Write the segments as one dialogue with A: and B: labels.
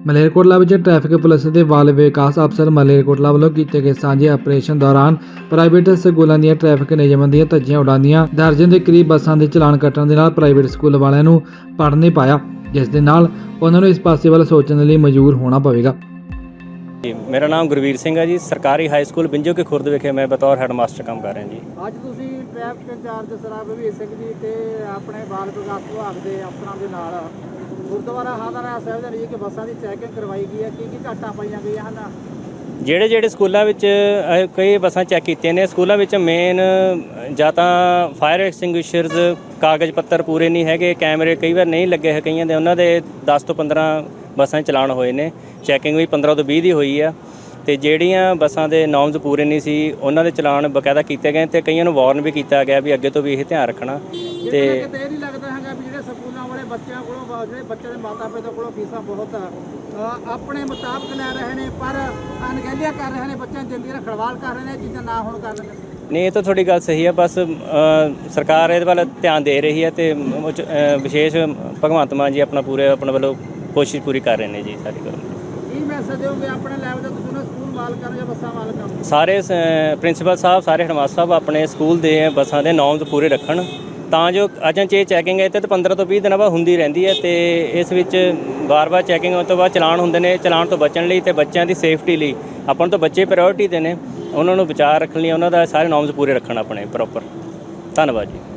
A: ਮਲੇਰਕੋਟਲਾ ਵਿੱਚ traffic police ਦੇ ਬਾਲ ਵਿਕਾਸ ਅਫਸਰ ਮਲੇਰਕੋਟਲਾ ਵੱਲੋਂ ਕੀਤੇ ਗਏ ਸਾਂਝੇ ਆਪਰੇਸ਼ਨ ਦੌਰਾਨ ਪ੍ਰਾਈਵੇਟ ਸਕੂਲਾਂ ਦੀਆਂ ਟ੍ਰੈਫਿਕ ਨਿਯਮਾਂ ਦੀਆਂ ਧੱਜੀਆਂ ਉਡਾਉਂਦੀਆਂ ਦਰਜਨ ਦੇ ਕਰੀਬ ਬੱਸਾਂ ਦੇ ਚਲਾਨ ਕੱਟਣ ਦੇ ਨਾਲ ਪ੍ਰਾਈਵੇਟ ਸਕੂਲ ਵਾਲਿਆਂ ਨੂੰ ਪੜ ਨਹੀਂ ਪਾਇਆ, ਜਿਸ ਦੇ ਨਾਲ ਉਹਨਾਂ ਨੂੰ ਇਸ ਪਾਸੇ ਵੱਲ ਸੋਚਣ ਲਈ ਮਜਬੂਰ ਹੋਣਾ ਪਵੇਗਾ।
B: मेरा नाम गुरवीर सिंह है जी। सरकारी हाई स्कूल बिंजो के खुर्द विखे मैं बतौर हैडमास्टर काम कर रहा जी।
C: ਅੱਜ ਤੁਸੀਂ ਟ੍ਰੈਫਿਕ ਇੰਚਾਰਜ ਸਰਾਬ ਵੀ ਸਿੰਘ ਜੀ ਤੇ ਆਪਣੇ ਬਾਲ ਵਿਕਾਸ ਵਿਭਾਗ ਦੇ ਅਫਸਰਾਂ ਦੇ ਨਾਲ ਗੁਰਦੁਆਰਾ ਹਾਦਰਾ ਸਾਹਿਬ ਦੇ ਲਈ ਕਿ ਬੱਸਾਂ ਦੀ ਚੈਕਿੰਗ ਕਰਵਾਈ ਗਈ ਹੈ, ਕੀ ਘਾਟਾਂ ਪਾਈਆਂ ਗਈਆਂ ਹਨ?
B: ਜਿਹੜੇ ਸਕੂਲਾਂ ਵਿੱਚ ਕਈ ਬੱਸਾਂ ਚੈੱਕ ਕੀਤੀਆਂ ਨੇ, ਸਕੂਲਾਂ ਵਿੱਚ ਮੇਨ ਜਾਂ ਤਾਂ ਫਾਇਰ ਐਕਸਟਿੰਗੁਇਸ਼ਰਸ ਕਾਗਜ਼ ਪੱਤਰ ਪੂਰੇ ਨਹੀਂ ਹੈਗੇ, ਕੈਮਰੇ ਕਈ ਵਾਰ ਨਹੀਂ ਲੱਗੇ ਹੈ ਕਈਆਂ ਦੇ, ਉਹਨਾਂ ਦੇ 10 ਤੋਂ 15 ਬੱਸਾਂ ਚਲਾਨ ਹੋਏ ਨੇ। ਚੈਕਿੰਗ ਵੀ 15 ਤੋਂ 20 ਦੀ ਹੋਈ ਆ ਤੇ ਜਿਹੜੀਆਂ ਬੱਸਾਂ ਦੇ ਨੋਰਮਸ ਪੂਰੇ ਨਹੀਂ ਸੀ ਉਹਨਾਂ ਦੇ ਚਲਾਨ ਬਕਾਇਦਾ ਕੀਤੇ ਗਏ ਤੇ ਕਈਆਂ ਨੂੰ ਵਾਰਨ ਵੀ ਕੀਤਾ ਗਿਆ ਵੀ ਅੱਗੇ ਤੋਂ ਵੀ ਇਹ ਧਿਆਨ ਰੱਖਣਾ। ਤੇ
C: ਇਹ ਨਹੀਂ ਲੱਗਦਾ ਹੈਗਾ ਵੀ ਜਿਹੜੇ ਸਕੂਲਾਂ ਵਾਲੇ ਬੱਚਿਆਂ ਕੋਲੋਂ ਜਿਹੜੇ ਬੱਚੇ ਦੇ ਮਾਤਾ ਪਿਤਾ ਕੋਲੋਂ ਫੀਸਾਂ ਬਹੁਤ ਆਪਣੇ ਮੁਤਾਬਕ ਲੈ ਰਹੇ ਨੇ ਪਰ ਅਣਗਹਿਲੀਆਂ ਕਰ ਰਹੇ ਨੇ, ਬੱਚਿਆਂ ਦੀ ਜ਼ਿੰਦਗੀ ਨਾਲ ਖੜਵਾਲ ਕਰ ਰਹੇ ਨੇ, ਚੀਜ਼ਾਂ ਨਾ ਹੋਣ ਕਾਰਨ?
B: ਨਹੀਂ, ਇਹ ਤਾਂ ਤੁਹਾਡੀ ਗੱਲ ਸਹੀ ਹੈ। ਬਸ ਸਰਕਾਰ ਇਹਦੇ ਵੱਲ ਧਿਆਨ ਦੇ ਰਹੀ ਹੈ ਤੇ ਵਿਸ਼ੇਸ਼ ਭਗਵੰਤ ਮਾਨ ਜੀ ਆਪਣੇ ਵੱਲੋਂ ਕੋਸ਼ਿਸ਼ ਪੂਰੀ ਕਰ ਰਹੇ ਨੇ ਜੀ ਸਾਡੀ ਗੱਲ।
C: ਕੀ ਮੈਸੇਜ ਦਿਓਗੇ ਆਪਣੇ ਲੈਵਲ ਤੇ ਤੁਸੀਂ ਸਕੂਲ ਮਾਲਕਾਂ ਜਾਂ ਬੱਸਾਂ ਮਾਲਕਾਂ ਨੂੰ?
B: ਸਾਰੇ ਪ੍ਰਿੰਸੀਪਲ ਸਾਹਿਬ, ਸਾਰੇ ਹੈਡਮਾਸਟਰ ਸਾਹਿਬ ਆਪਣੇ ਸਕੂਲ ਦੇ ਬੱਸਾਂ ਦੇ ਨੋਰਮਸ ਪੂਰੇ ਰੱਖਣ ਤਾਂ ਜੋ ਅਜੇ 'ਚ ਚੈਕਿੰਗ ਹੈ ਤੇ 15 ਤੋਂ 20 ਦਿਨਾਂ ਬਾਅਦ ਹੁੰਦੀ ਰਹਿੰਦੀ ਹੈ ਤੇ ਇਸ ਵਿੱਚ ਵਾਰ-ਵਾਰ ਚੈਕਿੰਗ ਹੋਣ ਤੋਂ ਬਾਅਦ ਚਲਾਨ ਹੁੰਦੇ ਨੇ। ਚਲਾਨ ਤੋਂ ਬਚਣ ਲਈ ਤੇ ਬੱਚਿਆਂ ਦੀ ਸੇਫਟੀ ਲਈ ਆਪਾਂ ਨੂੰ ਤਾਂ ਬੱਚੇ ਪ੍ਰਾਇੋਰਟੀ ਦੇ ਨੇ, ਉਹਨਾਂ ਨੂੰ ਬਚਾਅ ਰੱਖਣ ਲਈ ਉਹਨਾਂ ਦਾ ਸਾਰੇ ਨੋਰਮਸ ਪੂਰੇ ਰੱਖਣ ਆਪਣੇ ਪ੍ਰੋਪਰ। ਧੰਨਵਾਦ ਜੀ।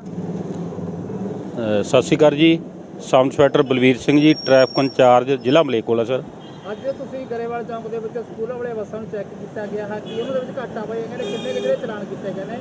D: ਸਤਿ ਸ਼੍ਰੀ ਅਕਾਲ ਜੀ। ਸਬ ਇੰਸਪੈਕਟਰ ਬਲਵੀਰ ਸਿੰਘ ਜੀ, ਟ੍ਰੈਫਿਕ ਇੰਚਾਰਜ ਜ਼ਿਲ੍ਹਾ ਮਲੇਰਕੋਟਲਾ ਸਰ।
C: ਅੱਜ ਤੁਸੀਂ ਗਰੇਵਾਲ ਚੌਂਕ ਦੇ ਵਿੱਚ ਸਕੂਲਾਂ ਵਾਲੇ ਬੱਸਾਂ ਨੂੰ ਚੈੱਕ ਕੀਤਾ ਗਿਆ ਹੈ ਕਿ ਉਹਨਾਂ ਦੇ ਵਿੱਚ ਘਾਟਾ ਪਾਈਆਂ ਗਈਆਂ ਨੇ, ਕਿੰਨੇ ਜਿਹੜੇ ਚਲਾਨ ਕੀਤੇ ਗਏ ਨੇ?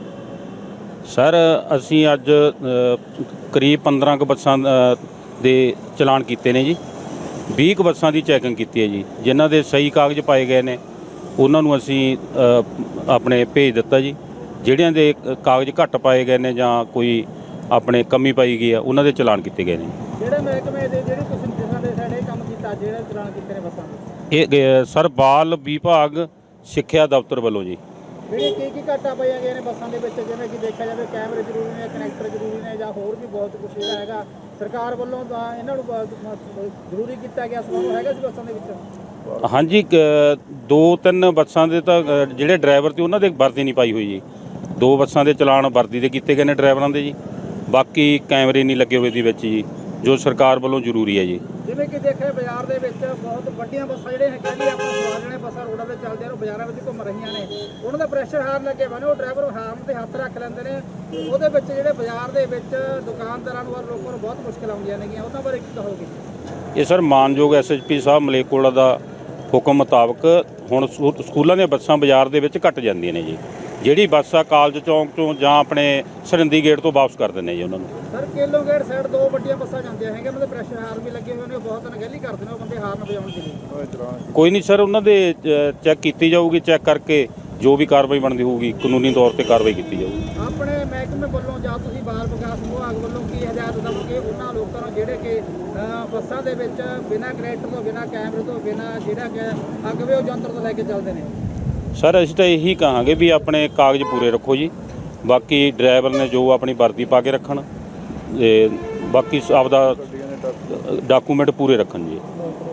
D: ਸਰ ਅਸੀਂ ਅੱਜ ਕਰੀਬ 15 ਕੁ ਬੱਸਾਂ ਦੇ ਚਲਾਨ ਕੀਤੇ ਨੇ ਜੀ। 20 ਕੁ ਬੱਸਾਂ ਦੀ ਚੈਕਿੰਗ ਕੀਤੀ ਹੈ ਜੀ। ਜਿਨ੍ਹਾਂ ਦੇ ਸਹੀ ਕਾਗਜ਼ ਪਾਏ ਗਏ ਨੇ ਉਹਨਾਂ ਨੂੰ ਅਸੀਂ ਆਪਣੇ ਭੇਜ ਦਿੱਤਾ ਜੀ। ਜਿਹੜਿਆਂ ਦੇ ਕਾਗਜ਼ ਘੱਟ ਪਾਏ ਗਏ ਨੇ ਜਾਂ ਕੋਈ ਆਪਣੇ ਕਮੀ ਪਾਈ ਗਈ ਆ ਉਹਨਾਂ ਦੇ ਚਲਾਨ ਕੀਤੇ ਗਏ ਨੇ।
C: ਜਿਹੜੇ ਮਹਿਕਮੇ ਦੇ ਜਿਹੜੇ ਤੁਸੀਂ ਜਿਨ੍ਹਾਂ ਦੇ ਸਾਡੇ ਕੰਮ ਕੀਤਾ, ਜਿਹੜੇ ਚਲਾਨ ਕੀਤੇ ਨੇ ਬੱਸਾਂ ਦੇ?
D: ਇਹ ਸਰ ਬਾਲ ਵਿਭਾਗ ਸਿੱਖਿਆ ਦਫ਼ਤਰ ਵੱਲੋਂ ਜੀ।
C: ਜਿਹੜੇ ਕੀ ਘਾਟਾ ਪਾਈਆਂ ਗਈਆਂ ਨੇ ਬੱਸਾਂ ਦੇ ਵਿੱਚ? ਜਿਵੇਂ ਕਿ ਦੇਖਿਆ ਜਾਵੇ ਕੈਮਰੇ ਜ਼ਰੂਰੀ ਨੇ, ਕਨੈਕਟਰ ਜ਼ਰੂਰੀ ਨੇ ਜਾਂ ਹੋਰ ਵੀ ਬਹੁਤ ਕੁਝ ਹੈਗਾ। ਸਰਕਾਰ ਵੱਲੋਂ ਤਾਂ ਇਹਨਾਂ ਨੂੰ ਜ਼ਰੂਰੀ ਕੀਤਾ ਗਿਆ, ਸਮਾਂ ਹੈਗਾ ਸੀ ਬੱਸਾਂ ਦੇ ਵਿੱਚ?
D: ਹਾਂਜੀ, 2-3 ਬੱਸਾਂ ਦੇ ਤਾਂ ਜਿਹੜੇ ਡਰਾਈਵਰ ਤੇ ਉਹਨਾਂ ਦੇ ਵਰਦੀ ਨਹੀਂ ਪਾਈ ਹੋਈ ਜੀ। 2 ਬੱਸਾਂ ਦੇ ਚਲਾਨ ਵਰਦੀ ਦੇ ਕੀਤੇ ਗਏ ਨੇ ਡਰਾਈਵਰਾਂ ਦੇ ਜੀ। ਬਾਕੀ ਕੈਮਰੇ ਨਹੀਂ ਲੱਗੇ ਹੋਏ ਦੀ ਵਿੱਚ ਜੀ, ਜੋ ਸਰਕਾਰ ਵੱਲੋਂ ਜ਼ਰੂਰੀ ਹੈ ਜੀ।
C: ਜਿਵੇਂ ਕਿ ਦੇਖਿਆ ਬਾਜ਼ਾਰ ਦੇ ਵਿੱਚ ਬਹੁਤ ਵੱਡੀਆਂ ਬੱਸਾਂ ਜਿਹੜੇ ਕਹਿੰਦੇ ਆਪਾਂ ਸਵਾਰ ਜਿਹੜੇ ਬੱਸਾਂ ਰੋਡਾਂ 'ਤੇ ਚੱਲਦੇ ਆ, ਉਹ ਬਾਜ਼ਾਰਾਂ ਵਿੱਚ ਘੁੰਮ ਰਹੀਆਂ ਨੇ, ਉਹਨਾਂ ਦਾ ਪ੍ਰੈਸ਼ਰ ਹਾਰਨ ਲੱਗੇ ਹੋਏ ਨੇ, ਉਹ ਡਰਾਈਵਰ ਹਾਰਨ 'ਤੇ ਹੱਥ ਰੱਖ ਲੈਂਦੇ ਨੇ। ਉਹਦੇ ਵਿੱਚ ਜਿਹੜੇ ਬਾਜ਼ਾਰ ਦੇ ਵਿੱਚ ਦੁਕਾਨਦਾਰਾਂ ਨੂੰ ਔਰ ਲੋਕਾਂ ਨੂੰ ਬਹੁਤ ਮੁਸ਼ਕਿਲ ਆਉਂਦੀਆਂ ਨੇਗੀਆਂ, ਉਹਨਾਂ ਬਾਰੇ ਕੀ ਕਹੋਗੇ?
D: ਇਹ ਸਰ ਮਾਨਯੋਗ ਐਸਐਸਪੀ ਸਾਹਿਬ ਮਲੇਰਕੋਟਲਾ ਦਾ ਹੁਕਮ ਮੁਤਾਬਕ ਹੁਣ ਸਕੂਲਾਂ ਦੀਆਂ ਬੱਸਾਂ ਬਾਜ਼ਾਰ ਦੇ ਵਿੱਚ ਘੱਟ ਜਾਂਦੀਆਂ ਨੇ ਜੀ। ਜਿਹੜੀ ਬੱਸ ਆ ਕਾਲਜ ਚੌਂਕ ਤੋਂ ਜਾਂ ਆਪਣੇ ਸਰਿੰਦੀ ਗੇਟ ਤੋਂ ਵਾਪਸ ਕਰ ਦਿੰਦੇ ਜੀ ਉਹਨਾਂ ਨੂੰ।
C: ਸਰ ਕੇਲੋ ਗੇਟ ਸਾਈਡ 2 ਵੱਡੀਆਂ ਬੱਸਾਂ ਜਾਂਦੀਆਂ ਹੈਗੀਆਂ, ਮਤਲਬ ਪ੍ਰੈਸ਼ਰ ਹਾਰਨ ਵੀ ਲੱਗੇ ਹੋਏ ਨੇ, ਬਹੁਤ ਅਣਗਹਿਲੀ ਕਰਦੇ ਨੇ ਉਹ ਬੰਦੇ ਹਾਰਨ ਵਜਾਉਣ ਦੇ ਲਈ।
D: ਕੋਈ ਨਹੀਂ ਸਰ, ਉਹਨਾਂ ਦੇ ਚੈੱਕ ਕੀਤੀ ਜਾਊਗੀ। ਚੈੱਕ ਕਰਕੇ ਜੋ ਵੀ ਕਾਰਵਾਈ ਬਣਦੀ ਹੋਊਗੀ ਕਾਨੂੰਨੀ ਤੌਰ ਤੇ ਕਾਰਵਾਈ ਕੀਤੀ ਜਾਊਗੀ। ਆਪਣੇ
C: ਮਹਿਕਮੇ ਵੱਲੋਂ ਜਾਂ ਤੁਸੀਂ ਬਾਲ ਵਿਕਾਸ ਵਿਭਾਗ ਵੱਲੋਂ ਕੀ ਹਦਾਇਤ ਦੇਵੋਗੇ ਉਹਨਾਂ ਲੋਕਾਂ ਨੂੰ ਜਿਹੜੇ ਕਿ ਬੱਸਾਂ ਦੇ ਵਿੱਚ ਬਿਨਾਂ ਕਨੈਕਟਰ ਤੋਂ, ਬਿਨਾਂ ਕੈਮਰੇ ਤੋਂ, ਬਿਨਾਂ ਜਿਹੜਾ ਕਿ ਅਗਵੇ ਉਹ ਯੰਤਰ ਤੋਂ ਲੈ ਕੇ ਚੱਲਦੇ ਨੇ?
D: ਸਰ ਅਸੀਂ ਤਾਂ ਇਹੀ ਕਹਾਂਗੇ ਵੀ ਆਪਣੇ ਕਾਗਜ਼ ਪੂਰੇ ਰੱਖੋ ਜੀ। ਬਾਕੀ ਡਰਾਈਵਰ ਨੇ ਜੋ ਆਪਣੀ ਵਰਦੀ ਪਾ ਕੇ ਰੱਖਣ ਤੇ ਬਾਕੀ ਆਪਦਾ ਡਾਕੂਮੈਂਟ ਪੂਰੇ ਰੱਖਣ ਜੀ।